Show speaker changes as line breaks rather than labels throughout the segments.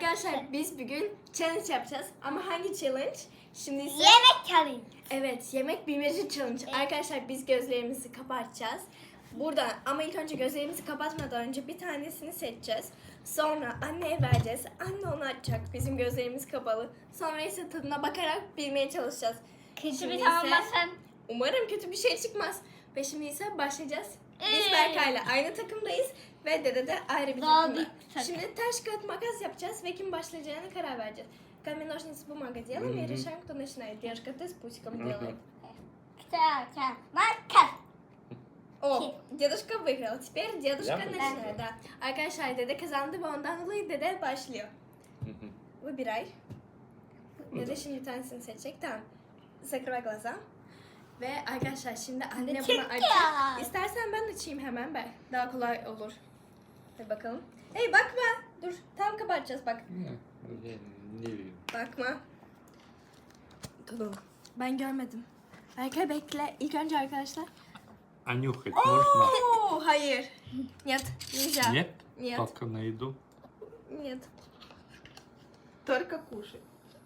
Arkadaşlar biz bugün challenge yapacağız. Ama hangi challenge? Şimdi ise...
Yemek challenge.
Evet, yemek bilmece challenge.
Evet.
Arkadaşlar biz gözlerimizi kapatacağız. Burada ama ilk önce gözlerimizi kapatmadan önce bir tanesini seçeceğiz. Sonra anneye vereceğiz. Anne onu açacak. Bizim gözlerimiz kapalı. Sonra ise tadına bakarak bilmeye çalışacağız.
Kötü
Şimdi
bir
ise-
tamamlasan.
Umarım kötü bir şey çıkmaz. Ve şimdi ise başlayacağız. Biz
Evet.
Berkay'la aynı takımdayız. Ve Dede de ayrı bir
Daha
takımda.
bir takım.
Şimdi taş kağıt makas yapacağız ve kim başlayacağına karar vereceğiz. Камень, ножницы, бумага делаем и решаем, кто начинает. Девушка, ты с пусиком делай.
Kısa makas.
О, дедушка выиграл. Теперь дедушка
Я
начинает. Да. Arkadaşlar Dede kazandı ve ondan dolayı Dede başlıyor. Выбирай. Dede şimdi bir tanesini seçecek. Tamam. Закрывай глаза. Ve arkadaşlar şimdi anne bunu
Çık
açacak.
ya.
İstersen ben açayım hemen ben. Daha kolay olur. Hadi bakalım. Hey bakma. Dur. Tam kapatacağız bak.
Я не вижу.
Bakma. Tamam. Ben görmedim. Berkay bekle. İlk önce arkadaşlar.
А нюхать можно?
Oo, hayır. Нет. Нельзя.
Нет?
Нет.
Только на еду?
Нет.
Только кушай.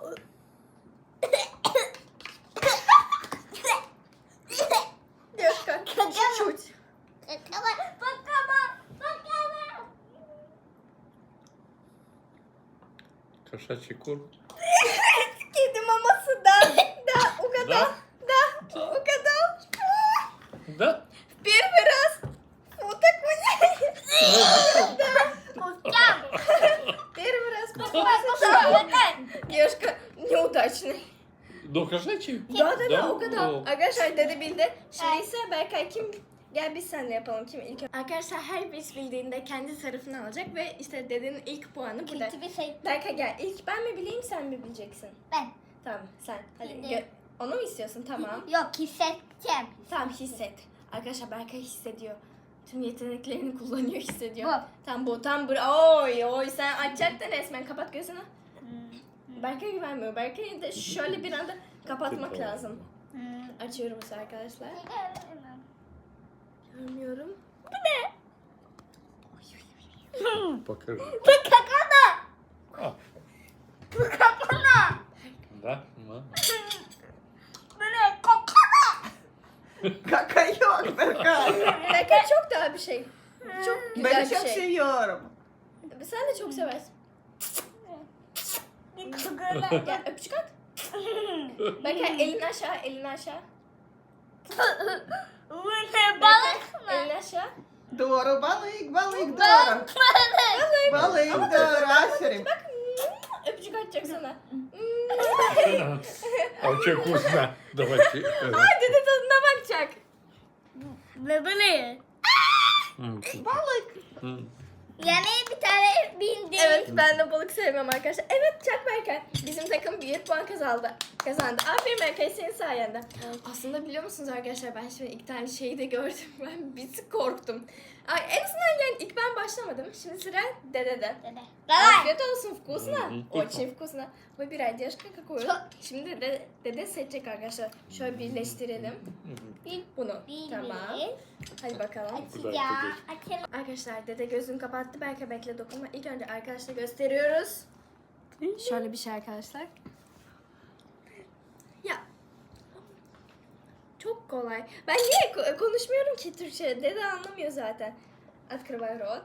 Девушка, чуть-чуть.
Кошачий корм?
Kedi maması da. Да, угадал. Да, угадал.
Да?
В первый раз. Вот такой. Первый раз попался. Девушка, неудачный.
Ну, кошачий?
Да, угадал.
О.
Arkadaşlar Dede bildi. Şimdi ise Berkay kim? Gel biz seninle yapalım kim ilk. Arkadaşlar her birisi bildiğinde kendi tarafını alacak ve işte Dede'nin ilk puanı burada.
Kötü bir şey.
Berkay gel. İlk ben mi bileyim sen mi bileceksin?
Ben.
Tamam sen. Hadi
Bildim.
onu mu istiyorsun? Tamam.
Yok hissedeceğim.
Tamam hisset. Arkadaşlar Berkay hissediyor. Tüm yeteneklerini kullanıyor, hissediyor.
Bu.
Tam bu, tam bu. Oy sen açacaktın resmen. Kapat gözünü. Berkay güvenmiyor. Berkay'ı da şöyle bir anda kapatmak lazım. Açıyorum ise arkadaşlar. Görmüyorum.
Покажи.
Bu kakana.
А,
Bu kakana.
да? Ну.
Bu ne? Kakana.
Kaka yok Berkay.
Berkay çok daha bir şey. Çok güzel
Ben
bir
çok
şey.
seviyorum.
Sen de çok seversin.
Kakana.
Gel öpücük at. Berkay elini aşağı, elini aşağı.
Bu ne balık mı?
Е,
Elini aşağı.
Doğru balık, balık doğru.
Balık.
Balık doğru. Aferin.
Bak öpücük atacak sana.
А очень вкусно. Давайте.
Ay Dede tadına bakacak.
Ne böyle?
Balık.
Yani bir tane bildim.
Evet ben de balık sevmem arkadaşlar. Evet Çak Berkay. Bizim takım 1 puan kazandı. Aferin Berkay senin sayende. Aslında biliyor musunuz arkadaşlar ben şimdi iki tane şeyi de gördüm. Ben bir tık korktum. Ay, en azından yani ilk ben başlamadım. Şimdi sıra Dede'de.
Давай.
Afiyet olsun вкусно.
Мгм.
Очень вкусно. Выбирай девушка какую.
Çok-
Şimdi Dede seçecek arkadaşlar. Şöyle birleştirelim. Bunu. Tamam. Hadi bakalım.
Açacağım. Açalım.
Arkadaşlar Dede gözünü kapattı. Belki bekle dokunma. İlk önce arkadaşlar gösteriyoruz. Şöyle bir şey arkadaşlar. Ya. Çok kolay. Ben niye konuşmuyorum ki Türkçe? Dede anlamıyor zaten. Открывай рот.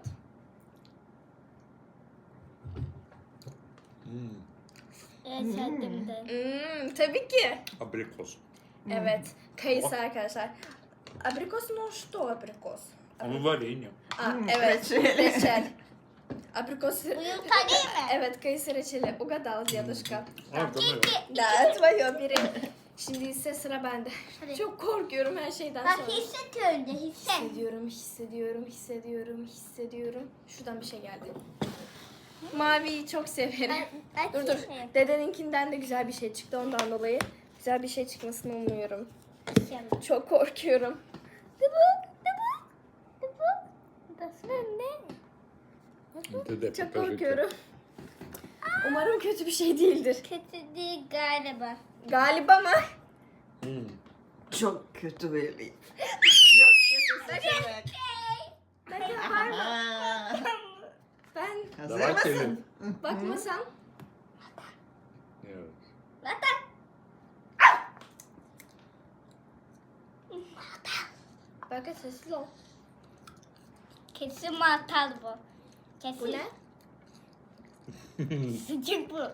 Yaşadım da.
Tabii ki.
Абрикос.
Evet. Kayısı arkadaşlar. Abrikos no что abrikos?
Ну, варенье.
Evet.
reçel.
Reçel. Abrikos.
Bu yumurta değil mi?
Evet kayısı reçeli. Угадал дедушка.
А, давай.
Да, твое biri. Şimdi ise sıra bende.
Hadi.
Çok korkuyorum her şeyden
Bak
sonra.
hisset önce hisset.
Hissediyorum. Şuradan bir şey geldi. Maviyi çok severim.
Ben
Dur.
hissetmiyorum.
Dedeninkinden de güzel bir şey çıktı ondan dolayı. Güzel bir şey çıkmasını umuyorum.
İnşallah.
Çok korkuyorum.
Nasıl ne?
Dede,
Çok
покажи.
korkuyorum. Umarım kötü bir şey değildir.
Kötü değil galiba.
Galiba mı?
Çok kötü böyle. Çok kötü seçenek.
Ben yaparım.
Aa,
Ben
Hazır
Давайте
mısın?
Bakmasan.
Evet.
Berkay sessiz ol.
Kesin mantar bu. Kesin.
Bu ne?
Sıcak bu.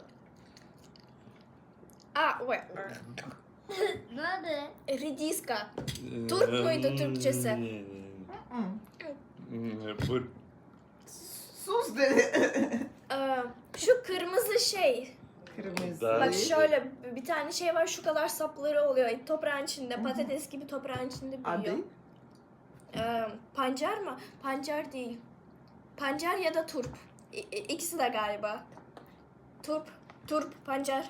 Aa, wait.
Ne oldu?
Ridiska. Turp muydu Türkçesi?
Bu
Sus dedi.
Şu kırmızı şey.
Kırmızı.
Bak şöyle bir tane şey var, şu kadar sapları oluyor toprağın içinde, patates gibi toprağın içinde büyüyor.
Adı?
Pancar mı? Pancar değil. Pancar ya da turp. İkisi de galiba. Turp, pancar.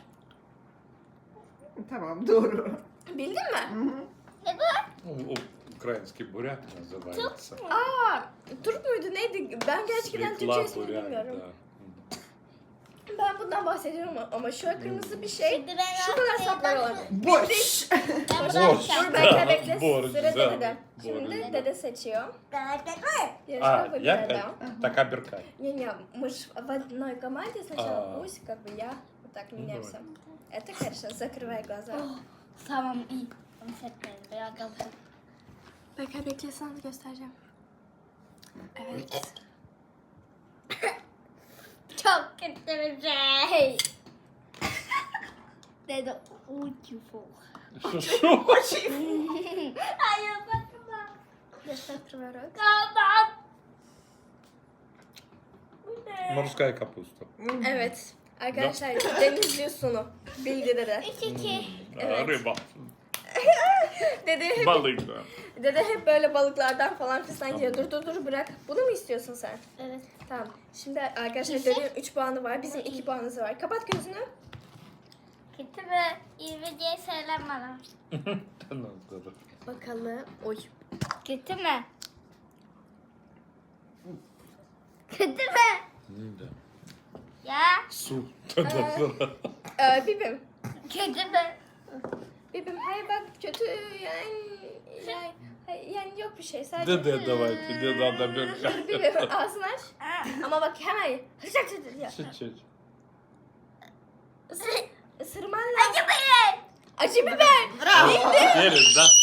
Tamam doğru.
Bildin mi?
Ne bu?
Украинский буряк называется.
Aa, turp muydu neydi? Ben gerçekten
Светла
Türkçesini
буряк,
bilmiyorum.
да.
Ben bundan bahsediyorum ama şu kırmızı bir şey.
Şimdi ben
Şu kadar sapları olan.
Boş.
Ben
Boş.
bırakacağım.
Dur bekle bekle.
Borç,
Sıra
güzel.
dedede.
Borç.
Şimdi dede seçiyor.
А,
Yarışma
я
победа.
так оберкай.
Не-не, мы ж в одной команде сначала
А.
пусть, как бы я вот так меняемся.
давай.
Это хорошо, закрывай глаза.
Tamam iyi. Onu seçmedim. Biraz da bu.
Bekle bekle sana göstereceğim. Evet.
Çok kötü bir şey. Dedi uçufu.
Что?
Hayır bakma.
Göster открывай рот.
Kaldan. Bu ne?
Морская капуста.
Evet. Arkadaşlar deniz yosunu. Bildi dede.
3-2.
Evet.
Рыба.
Dede hep,
Balık da.
dede hep böyle balıklardan falan fistan yiyor. Dur bırak. Bunu mu istiyorsun sen?
Evet.
Tamam. Şimdi arkadaşlar
Kesin.
dedenin 3 puanı var. Bizim 2 puanımız var. Kapat gözünü.
Kötü mü? İyi mi diye söyle bana.
Bakalım. Oy.
Kötü mü? Kötü mü?
Да.
Ya.
Су.
Bibim.
Kötü mü?
Bibim hayır bak kötü yani yok bir şey sadece.
Да, давайте, не надо оберкать.
Bibim ağzını aç. Ama bak hemen
Чуть-чуть.
ısırman lazım.
Acı biber.
Acı biber.
Bravo.
Веришь, да?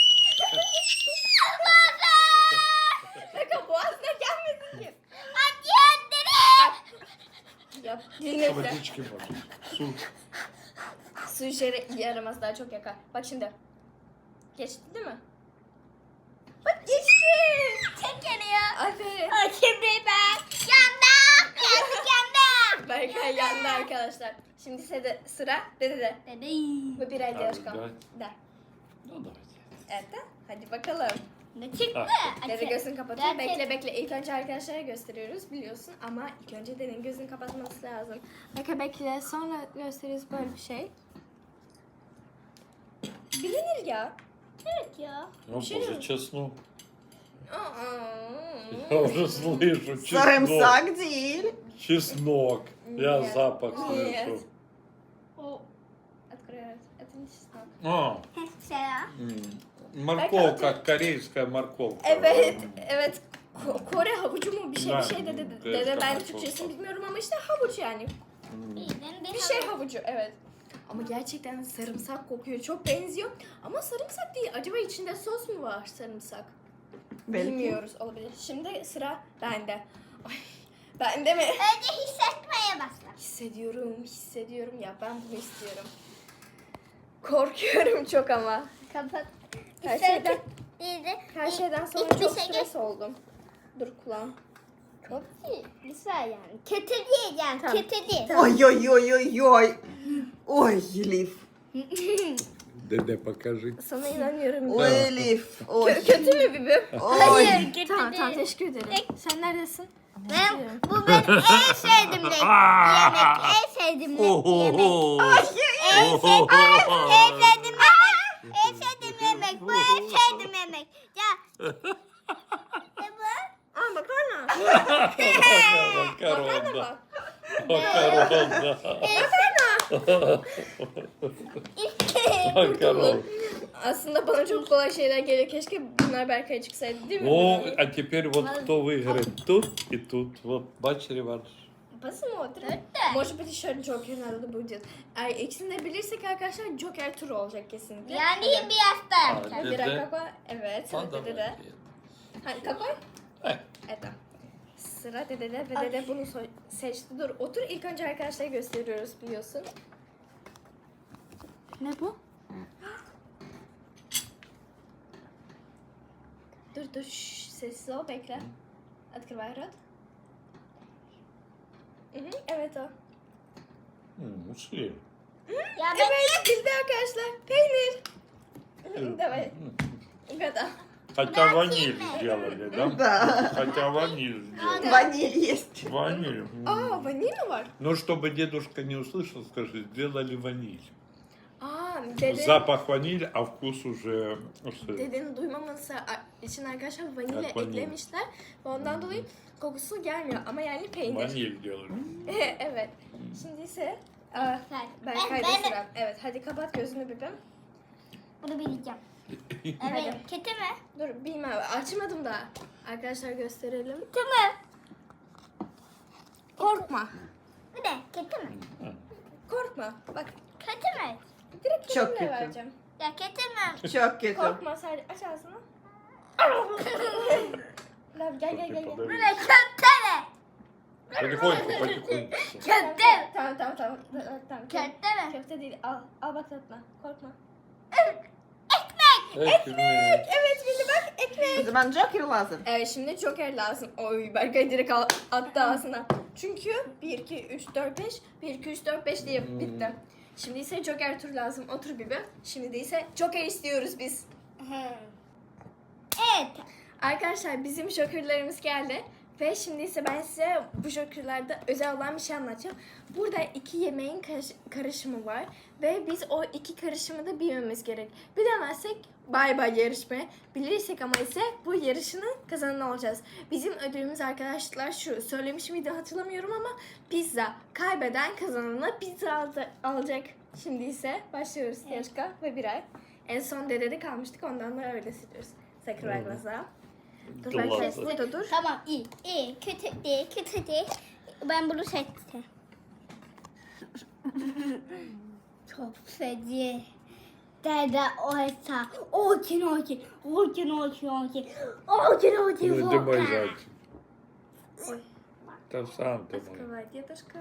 Bakın boğazına gelmesin ki.
Acı direkt.
Yap. Dinle.
Водички можно. Су.
Su işe yaramaz daha çok yakar. Bak şimdi. Geçti değil mi? Bak geçti.
Çok yanıyor.
Aferin.
Acı biber. Yandım. Yandık yandım.
Berkay yandı arkadaşlar. Şimdi sıra dede.
Bebeğim.
Bu bir elde
Hadi,
yaşkan.
давай.
De.
Ну, давайте.
Evet de. Hadi bakalım.
Ne çıktı?
Dede gözünü kapatıyor.
Gerçek-
Bekle. İlk önce arkadaşlara gösteriyoruz biliyorsun. Ama ilk önce dedenin gözünü kapatması lazım. Bekle. Sonra gösteriyoruz böyle bir şey. Bilinir ya.
Evet ya.
О, боже, чеснок.
Aa.
Я уже слышу чеснок.
Sarımsak değil.
Чеснок. Я
Нет.
запах
Нет.
слышу.
O.
Открывает. Это не чеснок.
А, морковка, корейская морковка.
Evet. Kore havucu mu bir şey
Ben-
dedi.
Evet,
Dede ben
tamam,
Türkçesini
çok-
bilmiyorum ama işte havuç yani.
Bir
Bir şey havucu evet. Ama gerçekten sarımsak kokuyor. Çok benziyor. Ama sarımsak değil. Acaba içinde sos mu var sarımsak?
Belki.
Bilmiyoruz olabilir. Şimdi sıra bende. Ay, bende mi?
Önce hissetmeye başla.
Hissediyorum ya ben bunu istiyorum. Korkuyorum çok ama.
Kapat.
Her şeyden,
İyice.
her şeyden sonra
İlk bir
çok
şey
stres oldum. Dur kulağım.
Çok iyi. Güzel yani. Kötü diyeceğim.
Tamam.
Kötü değil.
Ой, ой, ой, ой, ой. Ой, Elif.
Dede покажи.
Sana inanıyorum.
Ой, Elif. Ой.
Kötü mü bibim?
Hayır kötü
Tamam
değil.
teşekkür ederim. Sen neredesin?
Bu benim en sevdiğim yemek. En sevdiğim yemek. En sevdiğim yemek. En sevdiğim yemek. Bu en sevdiğim yemek. Ya. Ne bu?
Aa makarna. Makarna
Макарон, да.
bak.
Макарон, да. Макарон.
Aslında bana çok kolay şeyler geliyor. Keşke bunlar Berkay'a çıksaydı değil mi?
Ну, а теперь вот кто выиграет тут и тут. Вот, бач, реванш.
Посмотрим.
Да.
Может быть, еще Джокер надо будет. İkisini de bilirsek arkadaşlar Joker turu olacak kesinlikle.
Yani biraz da
А,
yapacağız.
Bira
Dede.
kakao. Evet.
А,
Sıra
давай.
dedede. Hani kakao?
Э,
Evet. Sıra dedede ve dede bunu seçti. Dur otur ilk önce arkadaşlara gösteriyoruz biliyorsun.
Ne bu?
Dur sessiz ol bekle. Открывай рот. Evet o.
Ушли.
Ya ben
Evet bildi arkadaşlar. Peynir. Давай. Года.
Хотя ваниль сделали, да?
Да.
Хотя ваниль сделали.
Ваниль есть.
Ваниль.
Aa vanilya mı var?
Ну, чтобы дедушка не услышал, скажи, сделали ваниль.
Aa dede.
Запах ваниль, а вкус уже...
Dedenin duymaması için arkadaşlar vanilya
Evet, vanilya.
eklemişler. Ve ondan dolayı kokusu gelmiyor ama yani peynir.
Ваниль делали.
Evet. Şimdi ise
Sen.
Berkay'da
Ben-
sıra. Evet hadi kapat gözünü bebeğim.
Bunu bileceğim. Evet.
Hadi.
Kötü mü?
Dur bilmem açmadım daha. Arkadaşlar gösterelim.
Kötü mü?
Korkma.
Bu ne? Kötü mü?
Korkma. Bak
Kötü mü?
direkt
Çok
kendimle
kötü.
vereceğim.
Ya kötü mü?
Çok kötü.
Korkma sadece aç ağzını. Lan gel.
Bu ne? Kötü mü?
Потихоньку, потихоньку.
Kötü.
Tamam.
Kötü mü?
Köfte değil. Al bak tatma. Korkma.
Ekmek.
Evet bildi bak
O
ekmek.
zaman Joker lazım.
Evet şimdi Joker lazım. Oy Berkay direkt attı ağzına. Çünkü 1, 2, 3, 4, 5. 1, 2, 3, 4, 5 diye bitti. Şimdi ise Joker tur lazım. Otur Bibi. Şimdi de ise Joker istiyoruz biz.
Evet.
Arkadaşlar bizim Joker'larımız geldi. Ve şimdi ise ben size bu Joker'larda özel olan bir şey anlatacağım. Burada 2 yemeğin karışımı var. Ve biz o 2 karışımı da bilmemiz gerek. Bilemezsek bay bay yarışmaya. Bilirsek ama ise bu yarışının kazananı olacağız. Bizim ödülümüz arkadaşlar şu. Söylemiş miydim hatırlamıyorum ama pizza. Kaybeden kazanana pizza alacak. Şimdi ise başlıyoruz yarışka ve birer. En son dedede kalmıştık ondan da öyle siliyoruz. Sakın vermezler. Dur ben
Glazı.
kes burada dur.
Tamam iyi. İyi. Kötü değil. Kötü değil. Ben bunu seçtim. Çok feci. Dede oysa. Очень.
Ну, ты мой зайчик.
Ой.
Да сам ты мой.
Открывай, дедушка.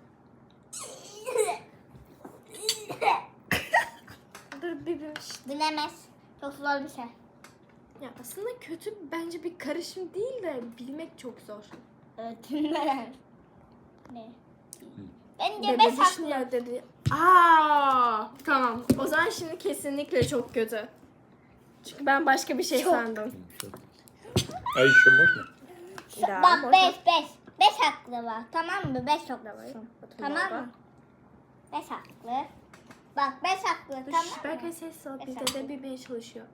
Dur bibim.
Bilemez. Çok zor bir şey.
Ya aslında kötü bence bir karışım değil de bilmek çok zor.
Evet. Bilemez. Ne? Bence
Dede
5 haklı.
düşünüyor dedi. Aa, tamam. O zaman şimdi kesinlikle çok kötü. Çünkü ben başka bir şey sandım.
А еще можно?
Ya,
Bak
hoş-
5. 5 haklı var. Tamam mı? 5 haklı var. Tamam mı? 5 haklı. Bak 5 haklı.
Dur,
Tamam
Berkay
mı?
ses al. Bir
Efendim?
dede bilmeye çalışıyor.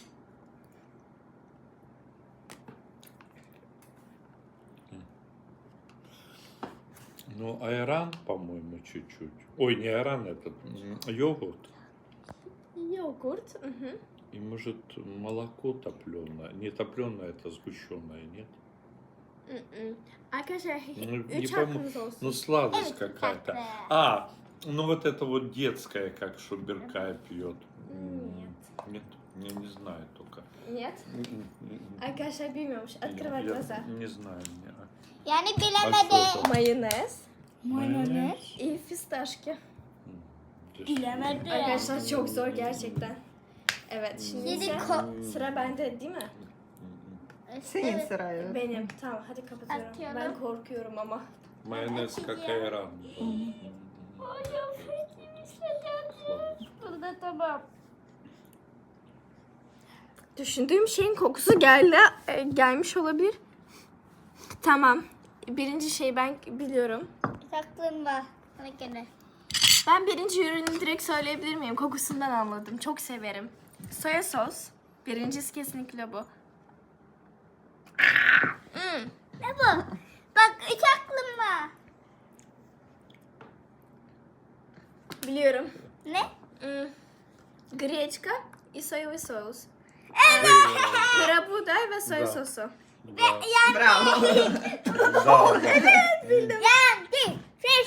Ну, айран, по-моему, чуть-чуть. Ой, не айран, этот йогурт.
Yoğurt. Hı.
И, может, молоко топленое. Не топленое, это сгущенное, нет?
Hı. Arkadaşlar
Ну, не
3
пойму.
hakkınız olsun.
Ну, сладость
Evet,
какая-то.
haklı.
А, ну вот это вот детская, как Шуберкай пьет. Нет, я не знаю только.
Нет.
М-м-м.
Arkadaşlar bilmiyormuş.
Я
Открывай глаза.
не знаю.
Yani
А
bilemedi.
что это?
Mayonez.
Mayonez.
İyi fistашки.
Bilemedi.
Arkadaşlar çok zor gerçekten. Evet şimdi
Yedi
ise
ko-
sıra bende değil mi?
Senin sırayı.
Benim. Tamam hadi kapatıyorum.
Atıyorum.
Ben korkuyorum ama.
Майонез как айран.
Burada tamam.
Düşündüğüm şeyin kokusu gelmiş olabilir. Tamam. Birinci şeyi ben biliyorum.
Aklım var. Bana göre.
Ben birinci ürünü direkt söyleyebilir miyim? Kokusundan anladım. Çok severim. Soya sos. Birincisi kesinlikle bu.
Ne bu? Bak 3 aklım var.
Biliyorum.
Ne?
Гречка и соевый соус.
Evet.
Karabuğday ve soya
Da.
sosu.
Да.
Bravo.
Да.
Yendi.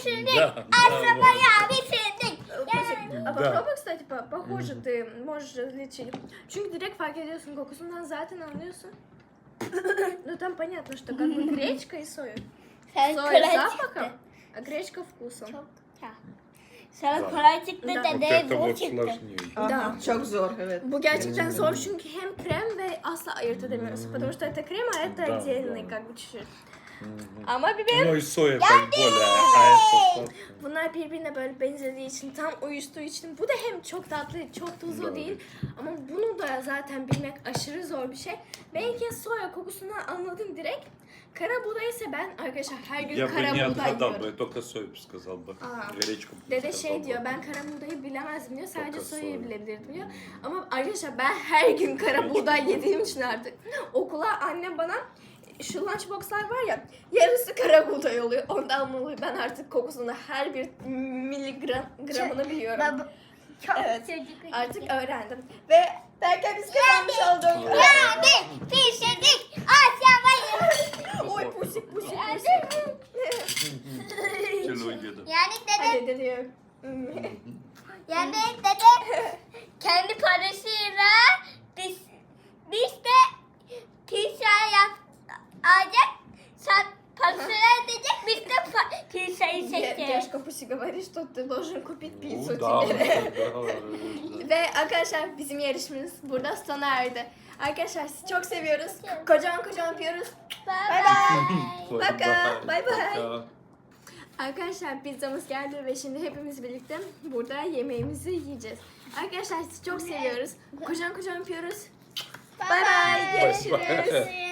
bitirdik.
Да, да,
Asabaya bitirdik.
А
Да.
попробуй, кстати, похоже ты можешь различить. Çünkü direkt fark ediyorsun, kokusundan zaten anlıyorsun. Ну там понятно, что как бы гречка и соя.
Sen
Соя
kolay
запахом,
çıktı.
а гречка вкусом.
Çok güzel. Sana
Да.
kolay çıktı
Да.
da
Вот
değil
это
bu
вот
çıktı.
сложнее.
Ага, çok zor, evet.
Bu gerçekten zor çünkü hem krem ve asla ayırt edemiyorsun. Потому что это крем, а это
Да,
отдельный
да.
как бы чуть-чуть.
Мгм.
Ama biber
Ну и соя так более, а это сладкое.
bunlar birbirine böyle benzediği için, tam uyuştuğu için bu da hem çok tatlı, çok tuzlu
Doğru.
değil. Ama bunu da zaten bilmek aşırı zor bir şey. Belki soya kokusundan anladım direkt. Kara buğday ise ben arkadaşlar her gün
Я бы
kara
не
buğday
отгадал бы,
yiyorum.
я только сою бы сказал бы.
Aa.
Гречку бы не
Dede
сказал
şey
бы.
diyor, ben kara buğdayı bilemezdim diyor, sadece
Çok
soyayı
soya.
bilebilirdim diyor. Ama arkadaşlar ben her gün kara
Hiç
buğday
bilmiyorum.
yediğim için artık okula annem bana şu lunchboxlar var ya, yarısı kara buğday oluyor. Ondan dolayı ben artık kokusunu her bir gramını biliyorum.
Baba, çok
Evet.
çocuk.
Artık öğrendim. Ve belki biz kazanmış olduk.
Yani pişirdik. Aşamayı.
Oy pusik pusik
Yani
pusik.
Тяжело деда.
dede.
Hadi dedi.
Yani dede kendi parasıyla biz de pizza alacak. Sen parasını ödeyecek. Biz de pizzayı çekeceğiz.
Дядька Пуси говорит, что ты должен купить
Ну
пиццу
да,
теперь.
да.
Ve arkadaşlar bizim yarışmamız burada sona erdi. Arkadaşlar sizi çok seviyoruz. Kocaman kocaman öpüyoruz.
Bye
bye.
bye.
Пока. Bye bye.
Пока.
Arkadaşlar pizzamız geldi ve şimdi hepimiz birlikte burada yemeğimizi yiyeceğiz. Arkadaşlar sizi çok seviyoruz. Kocaman kocaman öpüyoruz. Bye bye. Görüşürüz.
Görüşürüz.